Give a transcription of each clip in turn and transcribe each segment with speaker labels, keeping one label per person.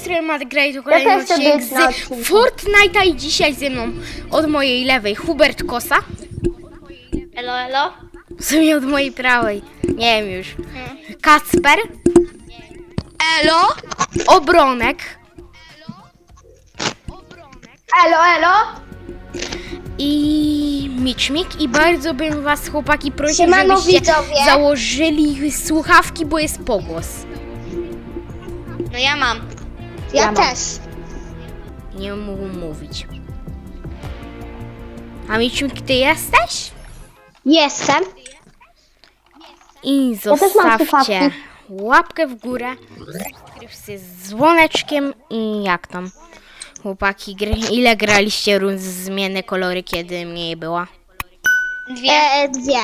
Speaker 1: jutro ma grać do kolejny
Speaker 2: chcę
Speaker 1: odcinek
Speaker 2: być na
Speaker 1: z
Speaker 2: odcinku.
Speaker 1: Fortnite'a i dzisiaj ze mną od mojej lewej Hubert Kosa.
Speaker 3: Elo, elo.
Speaker 1: W sumie od mojej prawej. Nie wiem już. Kacper.
Speaker 3: Elo?
Speaker 1: Obronek.
Speaker 2: Elo, elo.
Speaker 1: I Miczmik. I bardzo bym was, chłopaki, prosił,
Speaker 2: Siemano,
Speaker 1: żebyście
Speaker 2: widzowie.
Speaker 1: założyli słuchawki, bo jest pogłos.
Speaker 3: No ja mam.
Speaker 2: Ja
Speaker 1: mam.
Speaker 2: też.
Speaker 1: Nie mógł mówić. A Miczmik, ty jesteś?
Speaker 2: Jestem.
Speaker 1: I
Speaker 2: też mam
Speaker 1: zostawcie
Speaker 2: słuchawki.
Speaker 1: łapkę w górę, subskrypcję z dzwoneczkiem i jak tam, chłopaki, ile graliście rund zmienne kolory, kiedy mnie była?
Speaker 2: 2.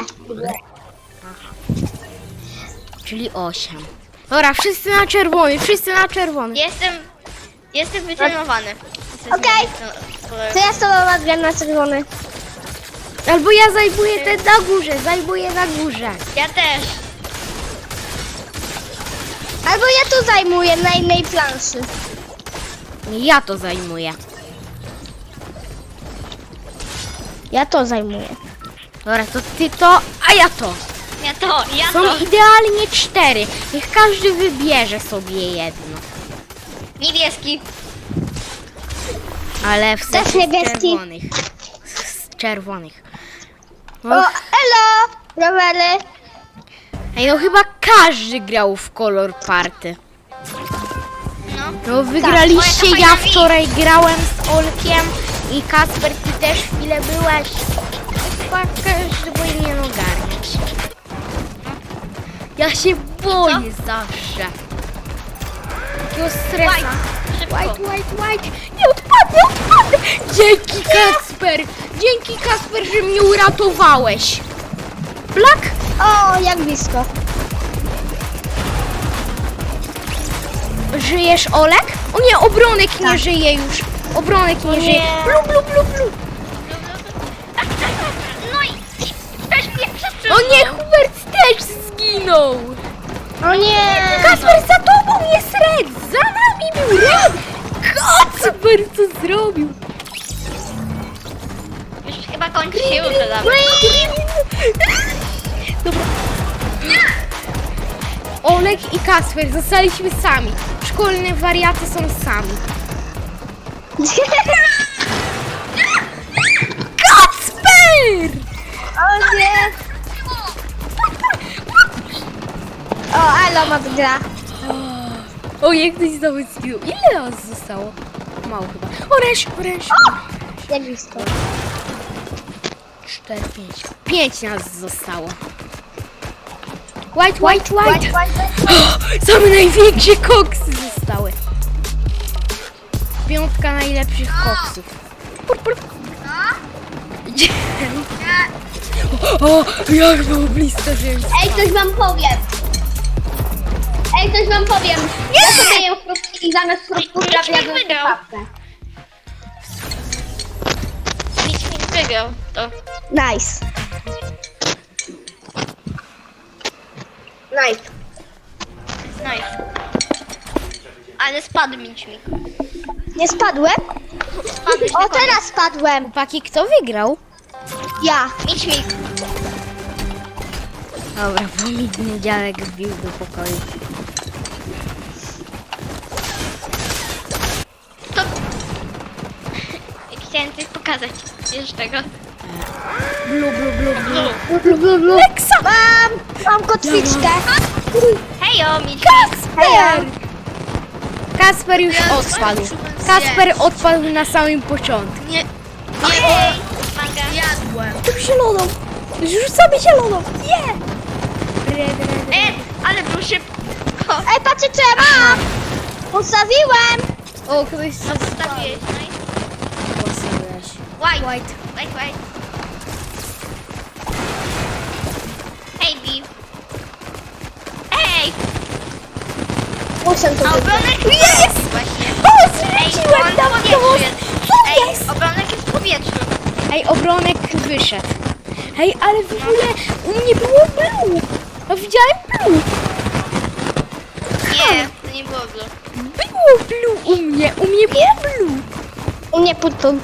Speaker 1: Czyli 8. Dobra, wszyscy na czerwony, wszyscy na czerwony.
Speaker 3: Jestem wytrenowany.
Speaker 2: Okej. To ja z tobą odgram na czerwony.
Speaker 1: Albo ja zajmuję te na górze, zajmuję na górze.
Speaker 3: Ja też.
Speaker 2: Albo ja tu zajmuję na innej planszy.
Speaker 1: Ja to zajmuję.
Speaker 2: Ja to zajmuję.
Speaker 1: Dobra, to ty to, a ja to.
Speaker 3: Ja
Speaker 1: Są
Speaker 3: to.
Speaker 1: idealnie 4. Niech każdy wybierze sobie jedno.
Speaker 3: Niebieski.
Speaker 1: Ale w sensie
Speaker 2: niebieski.
Speaker 1: czerwonych. Z czerwonych.
Speaker 2: O, elo! Rowery.
Speaker 1: Ej, no chyba każdy grał w kolor party.
Speaker 3: No.
Speaker 1: No wygraliście,
Speaker 3: o, jaka
Speaker 1: ja
Speaker 3: fajna
Speaker 1: wczoraj grałem z Olkiem i Kasper, ty też chwilę byłeś. Chyba każdy powinien ogarniać. Ja się boję zawsze. Takiego stresa.
Speaker 3: Szybko.
Speaker 1: White. Nie odpadnę. Dzięki Kasper. Dzięki Kasper, że mnie uratowałeś. Black?
Speaker 2: O, jak blisko.
Speaker 1: Żyjesz, Olek? O nie, Obronek nie żyje już. Obronek nie żyje. Blu.
Speaker 3: No i też mnie wszyscy.
Speaker 1: O nie, Hubert też zginął.
Speaker 2: O nie!
Speaker 1: Kasper, za tobą jest Red. Za nami był Red. Kasper, co zrobił?
Speaker 3: Już chyba kończy się jutro dawno.
Speaker 1: Dobra. Olek i Kasper zostaliśmy sami. Szkolne wariaty są sami. Kasper!
Speaker 2: O nie! O, elo ma gra.
Speaker 1: O, jak ktoś znowu zginął. Ile nas zostało? Mało chyba. Oresz.
Speaker 2: Jak blisko.
Speaker 1: 4, 5 nas zostało. White. Same największe koksy zostały. 5 najlepszych koksów. Pur. O, jak było blisko, że...
Speaker 2: Ej, coś wam powiem. Ja sobie jem frutki i zamiast frutków trafiam do
Speaker 3: wygrał.
Speaker 2: słuchawkę.
Speaker 3: Nikt wygrał to.
Speaker 2: Nice.
Speaker 3: Nice. Ale spadł mi dźwig.
Speaker 2: Nie spadłem?
Speaker 3: Spadłeś na
Speaker 2: O,
Speaker 3: koniec.
Speaker 2: teraz spadłem.
Speaker 1: Chłopaki, kto wygrał?
Speaker 2: Ja.
Speaker 3: Mićmik.
Speaker 1: Dobra, bo mi dziadek wbił do pokoju.
Speaker 3: To... Chciałem coś pokazać. Wiesz tego.
Speaker 1: Blu. Leksa!
Speaker 2: Mam kotwiczkę.
Speaker 3: Hejo, Mićmik.
Speaker 1: Kasper! Kasper już odpadł. Kasper odpadł na samym początku.
Speaker 3: Nie. Manga. Jadłem.
Speaker 1: Tu zieloną! Rzucamy zieloną! Nie! Red.
Speaker 3: Ale był szybko.
Speaker 2: Ej, patrzcie co ja mam. Postawiłem.
Speaker 1: O, ktoś
Speaker 3: Zostawiłeś. Nice.
Speaker 1: postawiłeś.
Speaker 3: White. Hej, Bi. Ej!
Speaker 2: Muszę to
Speaker 3: A
Speaker 2: wygrać.
Speaker 3: obronek jest! Właśnie.
Speaker 1: O,
Speaker 3: Ej,
Speaker 1: zrzuciłem
Speaker 3: on
Speaker 1: tam
Speaker 3: w powietrzu
Speaker 1: to!
Speaker 3: jest.
Speaker 1: Co
Speaker 3: Ej,
Speaker 1: jest?
Speaker 3: obronek jest w powietrzu.
Speaker 1: Ej, Obronek wyszedł. Ej, ale w ogóle u mnie było blue. A widziałem blue.
Speaker 3: Nie, to nie było blue.
Speaker 1: Było blue u mnie było blue.
Speaker 2: U mnie purpur.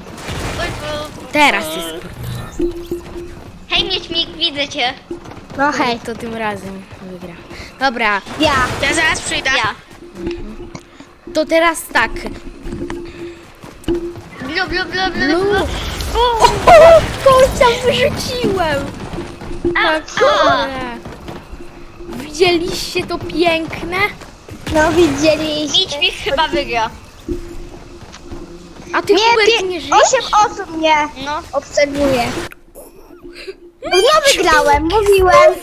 Speaker 1: Teraz jest.
Speaker 3: Hej, Mieczmik, widzę cię.
Speaker 2: No hej.
Speaker 1: To tym razem wygra. Dobra,
Speaker 2: Ja.
Speaker 3: Ja zaraz przyjdę. Ja.
Speaker 1: to teraz tak.
Speaker 3: Blue, blue, blue, blue,
Speaker 1: Blue.
Speaker 3: blue.
Speaker 1: O, końca wyrzuciłem. Kurde. Widzieliście to piękne?
Speaker 2: No widzieliście.
Speaker 3: Mieczmik chyba wygra.
Speaker 1: A ty Hubert nie żyjesz?
Speaker 2: 8 osób mnie
Speaker 3: No.
Speaker 2: obserwuje. No wygrałem, mówiłem.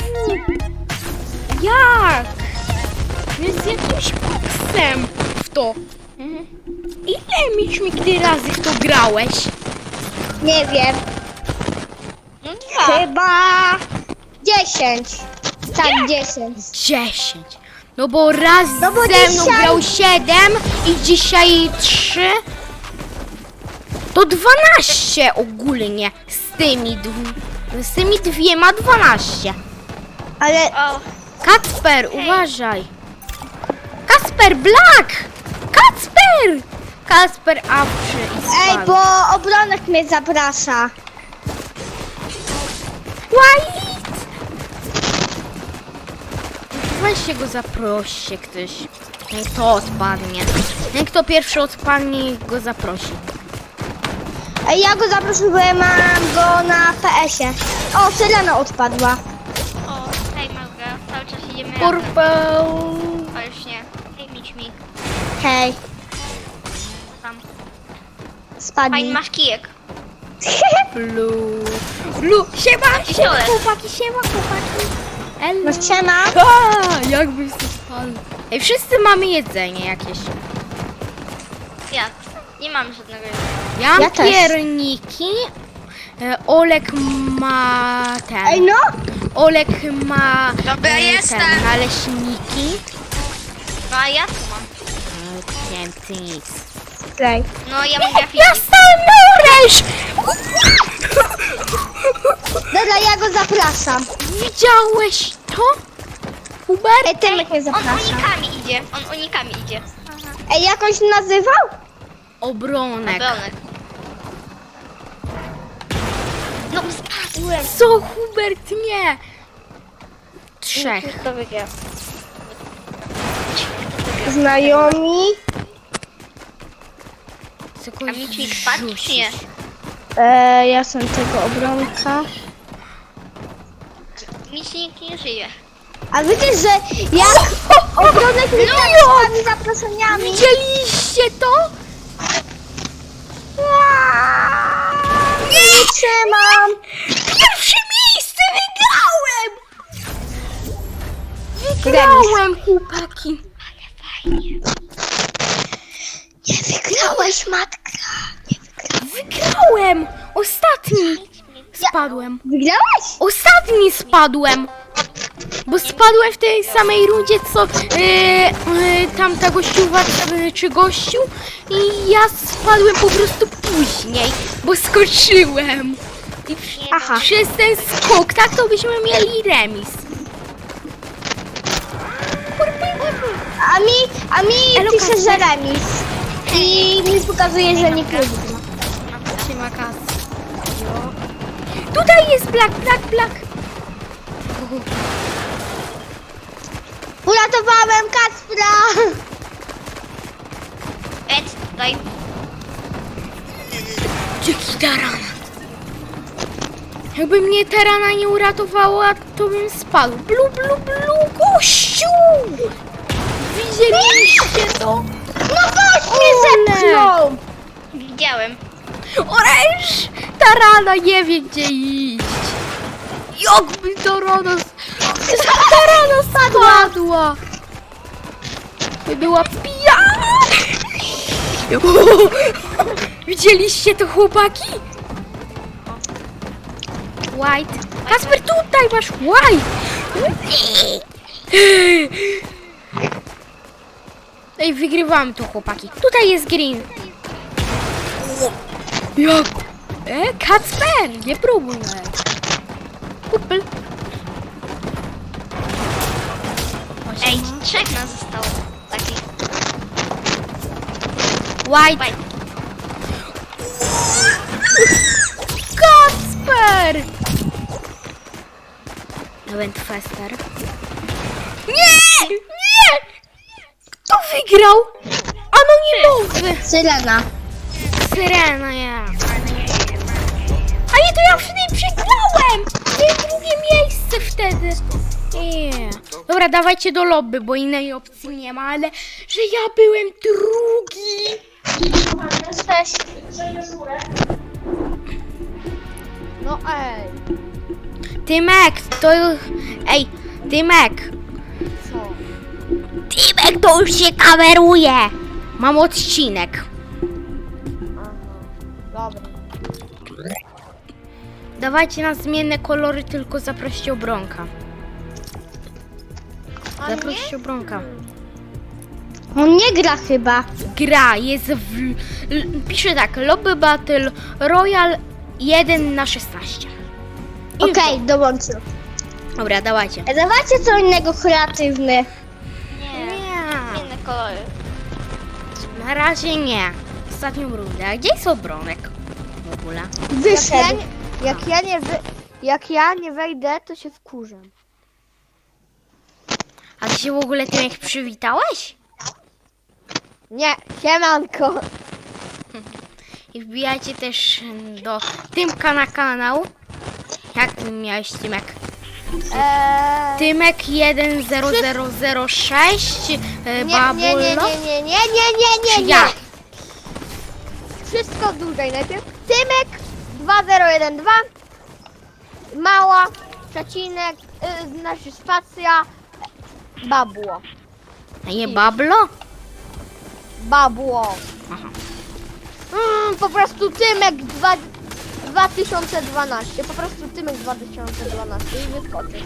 Speaker 1: Jak? Jest jakimś koksem w to. Ile Mieczmik ty razy w to grałeś?
Speaker 2: Nie wiem.
Speaker 3: No 2.
Speaker 2: Chyba 10. Tak, 10.
Speaker 1: 10. No bo raz
Speaker 2: No bo
Speaker 1: ze mną
Speaker 2: dzisiaj-
Speaker 1: grał 7 i dzisiaj 3. To 12 ogólnie z tymi dwiema 12.
Speaker 2: Ale
Speaker 3: O,
Speaker 1: Kacper, uważaj. Kacper, Black! Kacper! Kacper awczy i
Speaker 2: ej,
Speaker 1: spadł.
Speaker 2: bo obronek mnie zaprasza.
Speaker 1: White! Weźcie go zaproście ktoś. Niech to odpadnie. Niech to pierwszy odpadnie i go zaprosi.
Speaker 2: Ej, ja go zaproszę, bo ja mam go na PS-ie. O, Syrena odpadła.
Speaker 3: o, hej, Małga. Cały czas idziemy razem.
Speaker 1: Purple.
Speaker 3: O, już nie. Hej, Mieczmik.
Speaker 2: Hej,
Speaker 3: Co tam? Fajny
Speaker 2: spadnij.
Speaker 3: masz kijek.
Speaker 1: Blue. Blue. Siema, siema
Speaker 3: pistolet.
Speaker 1: chłopaki, siema chłopaki. Hello.
Speaker 2: No siema.
Speaker 1: A, jakbyś to spadł. Ej, wszyscy mamy jedzenie jakieś.
Speaker 3: Ja. Nie mam żadnego jedzenia.
Speaker 1: Ja mam
Speaker 2: Ja też.
Speaker 1: pierniki. Olek ma ten.
Speaker 2: Ej, no.
Speaker 1: Olek ma
Speaker 3: Dobra, jestem.
Speaker 1: ten, naleśniki.
Speaker 3: No, a ja tu mam.
Speaker 1: Nie wiem, ty nic.
Speaker 2: Ej.
Speaker 3: No, ja mam grafiki.
Speaker 1: Ja stałem na oręż!
Speaker 2: Dobra, ja go zapraszam.
Speaker 1: Widziałeś to? Hubert?
Speaker 2: Ej, Tymek mnie
Speaker 3: On
Speaker 2: zaprasza.
Speaker 3: unikami idzie. On unikami idzie. Aha.
Speaker 2: Ej, jakąś nazywał?
Speaker 1: Obronek.
Speaker 3: Obronek. No, spadłem.
Speaker 1: Co, Hubert? Nie! 3.
Speaker 3: To wygra.
Speaker 2: Znajomi.
Speaker 1: Co
Speaker 3: A Mieczmik spadł, czy nie?
Speaker 2: Ja jestem tego obronka.
Speaker 3: Miecznik nie żyje.
Speaker 2: A wiecie, że jak obronek mi tak spadł zaproszeniami.
Speaker 1: Widzieliście to?
Speaker 2: Nie trzymam.
Speaker 1: Pierwsze miejsce wygrałem! Wygrałem, chłopaki.
Speaker 2: Nie wygrałeś, matka.
Speaker 1: Wygrałem! Ostatni spadłem.
Speaker 2: Wygrałeś?
Speaker 1: Ostatni spadłem! Bo spadłem w tej samej rundzie, co tamta gościuwa czy gościu i ja spadłem po prostu później, bo skoczyłem. I
Speaker 2: Aha.
Speaker 1: przez ten skok, tak to byśmy mieli remis.
Speaker 2: A mi
Speaker 1: Elo,
Speaker 2: pisze,
Speaker 1: Kacper.
Speaker 2: że remis. I mi pokazuje, że nie wygra.
Speaker 1: Siema, Kas. Tutaj jest Black.
Speaker 2: Uratowałem Kacpra.
Speaker 3: Tutaj.
Speaker 1: Dzięki tarana. Jakby mnie tarana nie uratowała, to bym spadł. Blu, gościu! Widzieliście to?
Speaker 2: No gość mnie zepchnął.
Speaker 3: Widziałem.
Speaker 1: Oręż! Tarana nie wie, gdzie iść. Jakby tarana spadła. Była pijana. Widzieliście to, chłopaki? White. Kasper, tutaj masz White. Ej, wygrywamy tu, chłopaki. Tutaj jest green. Jak? Kacper, nie próbuj. Kupel.
Speaker 3: Ej, 3 nas zostało. Taki.
Speaker 1: White.
Speaker 3: White.
Speaker 1: Kacper! Wentfester. Nie! Nie! Kto wygrał? Anonimowy!
Speaker 2: Syrena.
Speaker 1: Syrena, ja. A nie, to ja wtedy przegrałem! To jest drugie miejsce wtedy. Yeah. Dobra, dawajcie do lobby, bo innej opcji nie ma, ale że ja byłem drugi.
Speaker 2: No ej.
Speaker 1: Tymek, to... Ej, Tymek.
Speaker 2: Co?
Speaker 1: Tymek, to już się kameruje. Mam odcinek.
Speaker 2: Dobra.
Speaker 1: Dawajcie na zmienne kolory, tylko zaproście obronka. Zaproście obronka.
Speaker 2: On nie gra chyba.
Speaker 1: Gra jest w... Pisze tak, Lobby Battle Royale 1/16. I
Speaker 2: Okej, dołączył.
Speaker 1: Dobra, dawajcie.
Speaker 2: Dawajcie co innego kreatywny.
Speaker 3: Nie.
Speaker 1: Nie,
Speaker 3: Inne kolory.
Speaker 1: na razie nie. Ostatnią rundę. A gdzie jest obronek w ogóle?
Speaker 2: Wyszedł.
Speaker 4: Jak ja nie wejdę, to się wkurzę.
Speaker 1: A ty się w ogóle tym jak przywitałeś?
Speaker 4: Nie, siemanko.
Speaker 1: I wbijajcie też do Tymka na kanał. Jak ty miałeś Tymek? Tymek 10006 Babullo. Czy ja?
Speaker 4: Wszystko dłużej najpierw. Tymek 2012. Mała, przecinek, znaczy spacja, babło.
Speaker 1: A nie Bablo?
Speaker 4: Babło.
Speaker 1: Aha.
Speaker 4: Po prostu Tymek 2012. Po prostu Tymek 2012 i wyskoczy.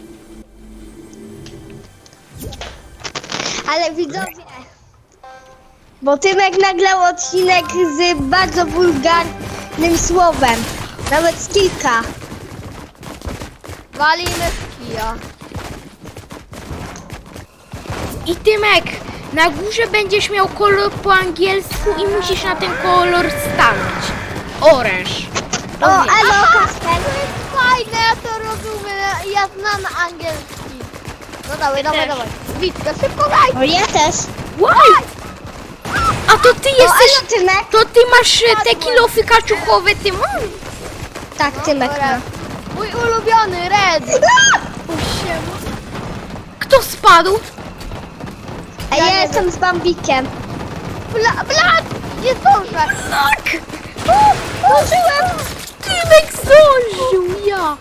Speaker 2: Ale widzowie, bo Tymek nagrał odcinek z bardzo wulgarnym słowem. Nawet z kilka.
Speaker 4: Walimy w kija.
Speaker 1: I Tymek, na górze będziesz miał kolor po angielsku i musisz na ten kolor stanąć. Oręż.
Speaker 2: O, elo, Kasper.
Speaker 4: To jest fajne, ja to rozumiem. Ja znam angielski. No dawaj, dawaj,
Speaker 3: też.
Speaker 4: dawaj. Witkę, szybko daj.
Speaker 2: O, ja też.
Speaker 1: Why? A to ty
Speaker 2: O,
Speaker 1: jesteś...
Speaker 2: elo, Tymek.
Speaker 1: To ty masz te kilofy kaczuchowe, Tymon?
Speaker 2: Tak, Tymek ma.
Speaker 4: Red. Mój ulubiony, Red.
Speaker 1: Kto spadł?
Speaker 2: A ja jestem z Bambikiem.
Speaker 4: Blat, nie zdążę.
Speaker 1: Tak!
Speaker 2: Użyłem.
Speaker 1: Tymek zdążył, ja!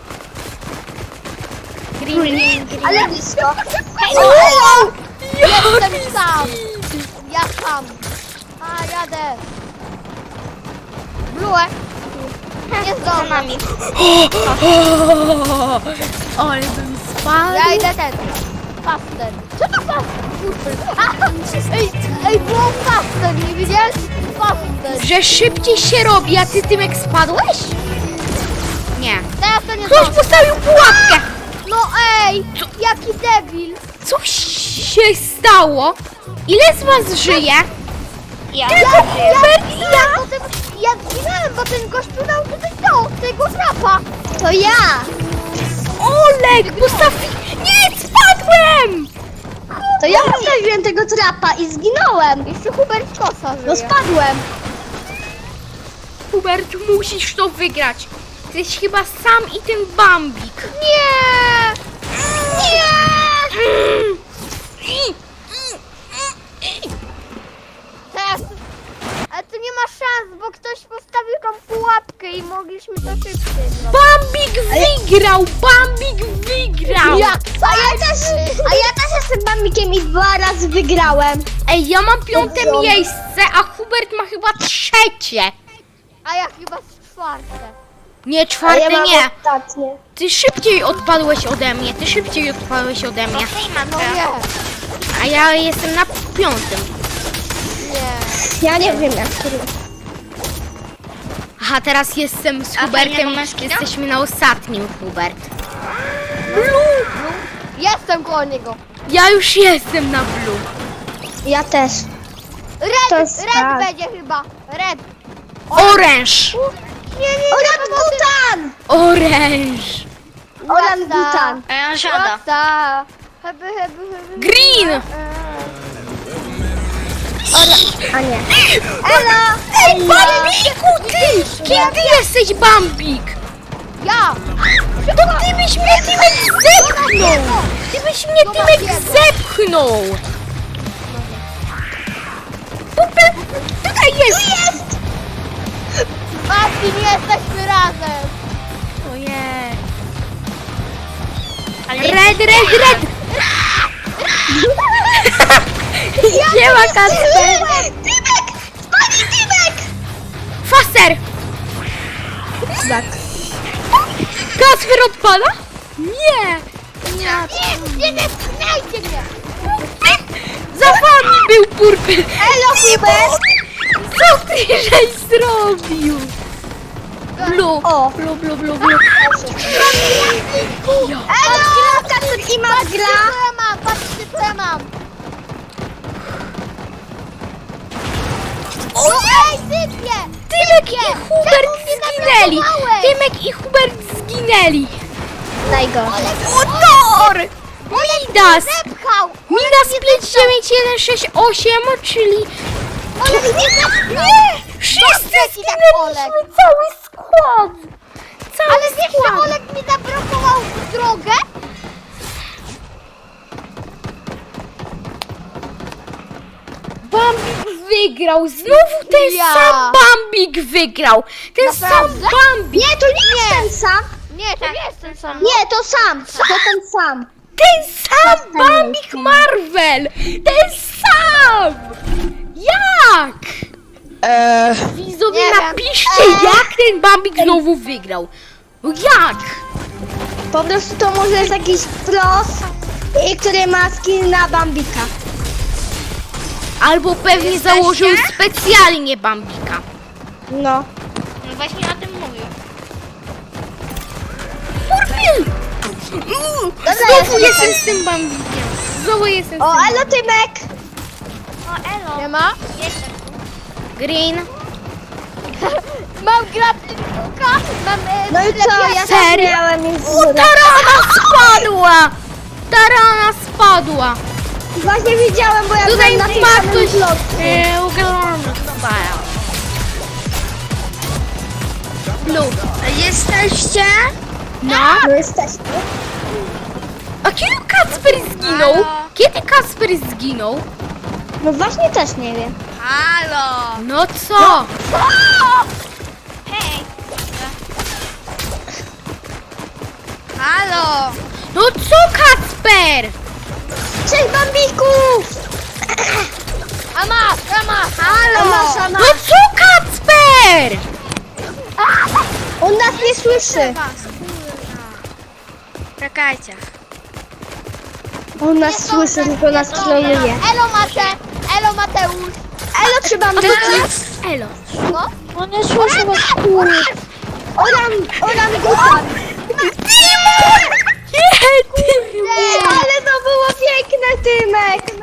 Speaker 1: Green.
Speaker 2: Ale blisko.
Speaker 4: O,
Speaker 2: O,
Speaker 4: jestem sam. Ja sam. A, jadę. Blue. Nie zdążę.
Speaker 1: Ale bym spadł.
Speaker 4: Ja idę ten. Faster. Co to faster? Ej, było faster, nie widziałeś? Faster.
Speaker 1: Że szybciej się robi, a ty Tymek spadłeś? Nie.
Speaker 4: Teraz to nie
Speaker 1: Ktoś
Speaker 4: zdążę.
Speaker 1: postawił pułapkę!
Speaker 4: No ej, jaki debil.
Speaker 1: Coś się stało? Ile z was żyje?
Speaker 3: Ja.
Speaker 1: Hubert i ja!
Speaker 4: Ja zginąłem, bo ten gościu dał tutaj tego trapa.
Speaker 2: to ja.
Speaker 1: Olek, postawi... Nie, spadłem!
Speaker 2: To ja postawiłem tego trapa i zginąłem.
Speaker 4: Jeszcze Hubert Kosa żyje.
Speaker 2: No spadłem.
Speaker 1: Hubert, musisz to wygrać. Ty jesteś chyba sam i ten Bambik.
Speaker 4: Nie! Nie! Teraz... Ale tu nie ma szans, bo ktoś postawił tą pułapkę i mogliśmy to szybciej zrobić.
Speaker 1: Bambik wygrał! Bambik wygrał!
Speaker 2: A ja też jestem Bambikiem i 2 razy wygrałem.
Speaker 1: Ej, ja mam 5. miejsce, a Hubert ma chyba 3.
Speaker 4: A ja chyba z 4.
Speaker 1: Nie,
Speaker 2: A ja
Speaker 1: 4
Speaker 2: mam
Speaker 1: nie.
Speaker 2: ostatnie.
Speaker 1: Ty szybciej odpadłeś ode mnie, ty szybciej odpadłeś ode mnie.
Speaker 4: No nie,
Speaker 1: A ja jestem na 5.
Speaker 4: nie.
Speaker 2: Ja nie wiem jak to jest.
Speaker 1: Aha, teraz jestem z
Speaker 3: A
Speaker 1: Hubertem,
Speaker 3: fajnego masz kino?
Speaker 1: jesteśmy na ostatnim, Hubert.
Speaker 4: Jestem koło niego.
Speaker 1: Ja już jestem na blue.
Speaker 2: Ja też. To jest
Speaker 4: Red
Speaker 2: tak.
Speaker 4: będzie chyba. Red.
Speaker 1: Oręż!
Speaker 4: Nie.
Speaker 2: Orangutan!
Speaker 1: Oręż!
Speaker 2: Orangutan.
Speaker 3: A ja siada.
Speaker 4: Rasta. Heby.
Speaker 1: Green!
Speaker 2: A nie.
Speaker 1: Elo! Ej, Bambiku, ty! Kim ty jesteś, Bambik?
Speaker 4: Ja.
Speaker 1: To ty byś mnie Tymek zepchnął! Ty byś mnie Tymek zepchnął! Tutaj jest!
Speaker 4: Marcin, jesteśmy razem.
Speaker 1: Ojej.
Speaker 3: Ale
Speaker 1: Red! Siema, Kacper!
Speaker 2: Tymek! Spadnij, Tymek!
Speaker 1: Faster!
Speaker 2: Tak.
Speaker 1: Kacper odpada? Nie!
Speaker 4: Nie pchnajcie mnie.
Speaker 1: Za wami był purpel!
Speaker 2: Elo, Hubert!
Speaker 1: Co ty żeś zrobił? Blu,
Speaker 2: O.
Speaker 1: blu.
Speaker 2: Elo, Kacper i Matt gra.
Speaker 4: Patrzcie co ja mam. Ej, sypie!
Speaker 1: Tymek i Hubert zginęli! Tymek i Hubert zginęli!
Speaker 2: Najgorsze.
Speaker 1: Motor! Midas!
Speaker 4: Zepchał!
Speaker 1: Midas 59168, czyli... Nie! Wszyscy
Speaker 4: tak, Olek.
Speaker 1: zginęliśmy! Cały skład! Cały
Speaker 4: Ale wiesz, że
Speaker 1: skład!
Speaker 4: Olek mi zablokował drogę?
Speaker 1: Bambik wygrał! Znowu ten
Speaker 4: Ja.
Speaker 1: sam Bambik wygrał! Ten
Speaker 4: Naprawdę?
Speaker 1: sam Bambik!
Speaker 2: Nie, to nie jest ten sam.
Speaker 4: Nie, to nie jest ten sam.
Speaker 2: Nie, to sam. To ten sam.
Speaker 1: Ten sam Bambik Marvel! Ten sam! Jak? Widzowie,
Speaker 4: Nie wiem.
Speaker 1: napiszcie, jak ten Bambik znowu wygrał. No jak?
Speaker 2: Po prostu to może jest jakiś pros, który ma skin na Bambika.
Speaker 1: Albo pewnie założył specjalnie Bambika.
Speaker 2: No.
Speaker 3: No właśnie o tym mówię.
Speaker 1: Purpil! Znowu jestem z tym Bambikiem. Znowu jestem z
Speaker 2: O,
Speaker 1: tym.
Speaker 2: elo, Tymek.
Speaker 3: O, elo.
Speaker 4: Nie ma?
Speaker 3: Jestem.
Speaker 1: Green.
Speaker 4: Mam grapplinguka, mam...
Speaker 2: No i co, ja
Speaker 1: Serio?
Speaker 2: też miałem już
Speaker 1: O, tarana spadła! Tarana spadła!
Speaker 2: Właśnie widziałem, bo ja
Speaker 1: Tutaj
Speaker 2: byłem na tym
Speaker 1: ma
Speaker 2: samym
Speaker 1: ktoś...
Speaker 2: bloku.
Speaker 1: Ugalony style. Blue.
Speaker 3: Jesteście?
Speaker 1: No.
Speaker 2: No jesteśmy.
Speaker 1: A kiedy Kacper zginął?
Speaker 3: Halo?
Speaker 1: Kiedy Kacper zginął?
Speaker 2: No właśnie też nie wiem.
Speaker 3: Halo.
Speaker 1: No co?
Speaker 3: Hej. Halo.
Speaker 1: No co, Kacper?
Speaker 2: Cześć, Bambików!
Speaker 4: Ama!
Speaker 2: Halo! Masza,
Speaker 1: No co, Kacper?
Speaker 2: On nas nie słyszy.
Speaker 3: Czekajcie.
Speaker 2: On nas słyszy, tylko nas troluje.
Speaker 4: Elo Mateusz.
Speaker 2: Elo, czy Bambiki?
Speaker 1: Elo.
Speaker 4: No.
Speaker 2: No nie słyszę was, Orangutan.
Speaker 1: Nie, ty.
Speaker 2: Ale to było piękne, Tymek.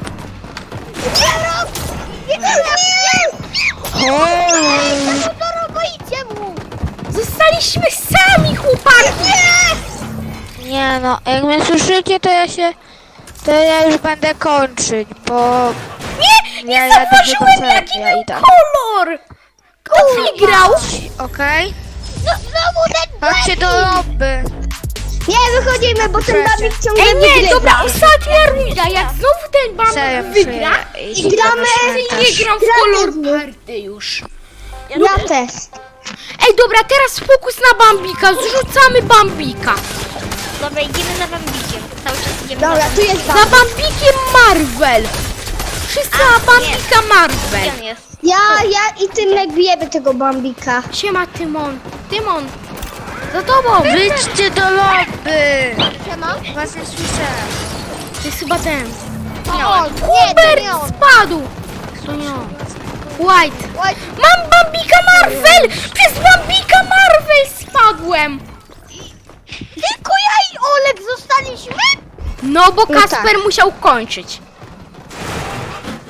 Speaker 4: To boicie mu.
Speaker 1: Zostaliśmy sami, chłopaki.
Speaker 5: Nie no, jak mnie słyszycie, to ja już będę kończyć, bo
Speaker 1: Nie
Speaker 5: Ja jadę
Speaker 1: zauważyłem,
Speaker 5: do
Speaker 1: jaki
Speaker 5: ja
Speaker 1: był
Speaker 5: idę.
Speaker 1: kolor. Kto wygrał?
Speaker 5: okej?
Speaker 4: No znowu ten
Speaker 5: Chodźcie do lobby.
Speaker 2: Nie, wychodzimy, bo ten
Speaker 5: Proszę.
Speaker 2: Bambik ciągle
Speaker 1: Ej, nie,
Speaker 2: wygrywa.
Speaker 1: dobra, ostatnia runda. Jak znowu ten
Speaker 5: Serio,
Speaker 1: Bambik wygra,
Speaker 5: przyjdę.
Speaker 2: I gramy,
Speaker 1: nie gram w kolor party już.
Speaker 2: Ja też.
Speaker 1: Ej, dobra, teraz fokus na Bambika. Zrzucamy Bambika.
Speaker 3: Dobra, idziemy za Bambikiem. Cały czas idziemy
Speaker 2: Dobra, tu jest
Speaker 1: Za
Speaker 2: Bambik.
Speaker 1: Bambikiem Marvel. Wszyscy na Bambika
Speaker 3: Gdzie
Speaker 1: Marvel.
Speaker 3: on jest?
Speaker 2: Ja i Tymek bijemy tego Bambika.
Speaker 1: Siema, Tymon. Tymon. Za tobą.
Speaker 5: Wyjdźcie do lobby.
Speaker 4: Siema.
Speaker 5: Was nie słyszę.
Speaker 1: To jest chyba ten.
Speaker 4: To on. Nie, to
Speaker 1: Hubert
Speaker 4: nie on.
Speaker 1: spadł. To nie on. White.
Speaker 4: Oj,
Speaker 1: Mam Bambika Marvel! Przez Bambika Marvel spadłem!
Speaker 4: tylko ja i Olek zostaliśmy?
Speaker 1: No bo
Speaker 2: No
Speaker 1: Kasper musiał kończyć.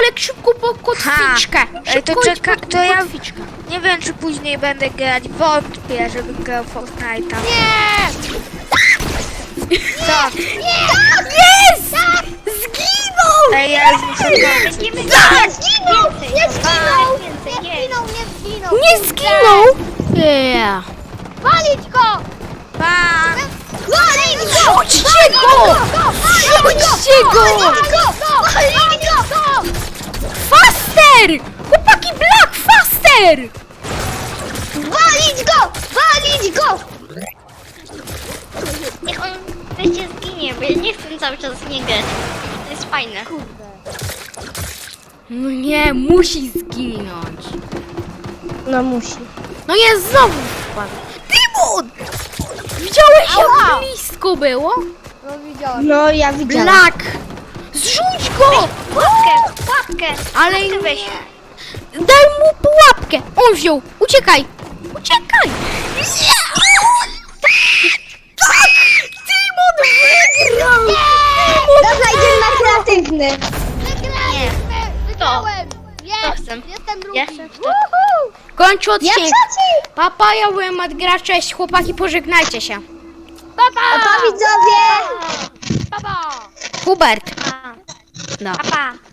Speaker 1: Olek, szybko po kotwiczkę.
Speaker 5: Ej, to
Speaker 1: Szybko idź
Speaker 5: czeka,
Speaker 1: po
Speaker 5: to ja
Speaker 1: kotwiczkę.
Speaker 5: nie wiem, czy później będę grać. Wątpię, żebym grał w Fortnite'a. Co?
Speaker 1: Jest! Zginął!
Speaker 5: Ej, ja już muszę grać.
Speaker 3: Będziemy
Speaker 2: Nie zginął! Nie zginął!
Speaker 3: więcej, jest.
Speaker 1: Nie zginął! Yeah.
Speaker 4: Walić go!
Speaker 5: Pa!
Speaker 2: Walić go!
Speaker 1: Rzućcie go! Rzućcie go!
Speaker 2: Walić go!
Speaker 1: Faster! Chłopaki, Black, faster!
Speaker 2: Walić go! Walić go!
Speaker 3: Niech on wreszcie zginie, bo ja nie chcę cały czas z nim grać. To jest fajne.
Speaker 1: No nie, musi zginąć.
Speaker 2: No musi.
Speaker 1: No nie, znowu wpadł. Tymon! Widziałeś, jak blisko było?
Speaker 4: No widziałem.
Speaker 2: No ja widziałam.
Speaker 1: Black! Zrzuć go!
Speaker 3: Pułapkę!
Speaker 1: Ale
Speaker 3: Ty weź.
Speaker 1: daj mu pułapkę! On wziął! Uciekaj! Uciekaj! Nie! Tak! Tymon wygrał!
Speaker 2: Dobra, idziemy na kreatywny.
Speaker 4: Wygrałem! Jest!
Speaker 3: chcę.
Speaker 4: Jestem drugi!
Speaker 3: Ja chcę w to.
Speaker 4: Woohoo!
Speaker 1: Kończę
Speaker 2: Ja
Speaker 1: odcinek.
Speaker 2: trzeci!
Speaker 1: Papa, ja byłem Adgra, cześć chłopaki, pożegnajcie się.
Speaker 2: Opa widzowie!
Speaker 4: Baba!
Speaker 1: Hubert.
Speaker 3: Pa,
Speaker 1: No.
Speaker 3: pa.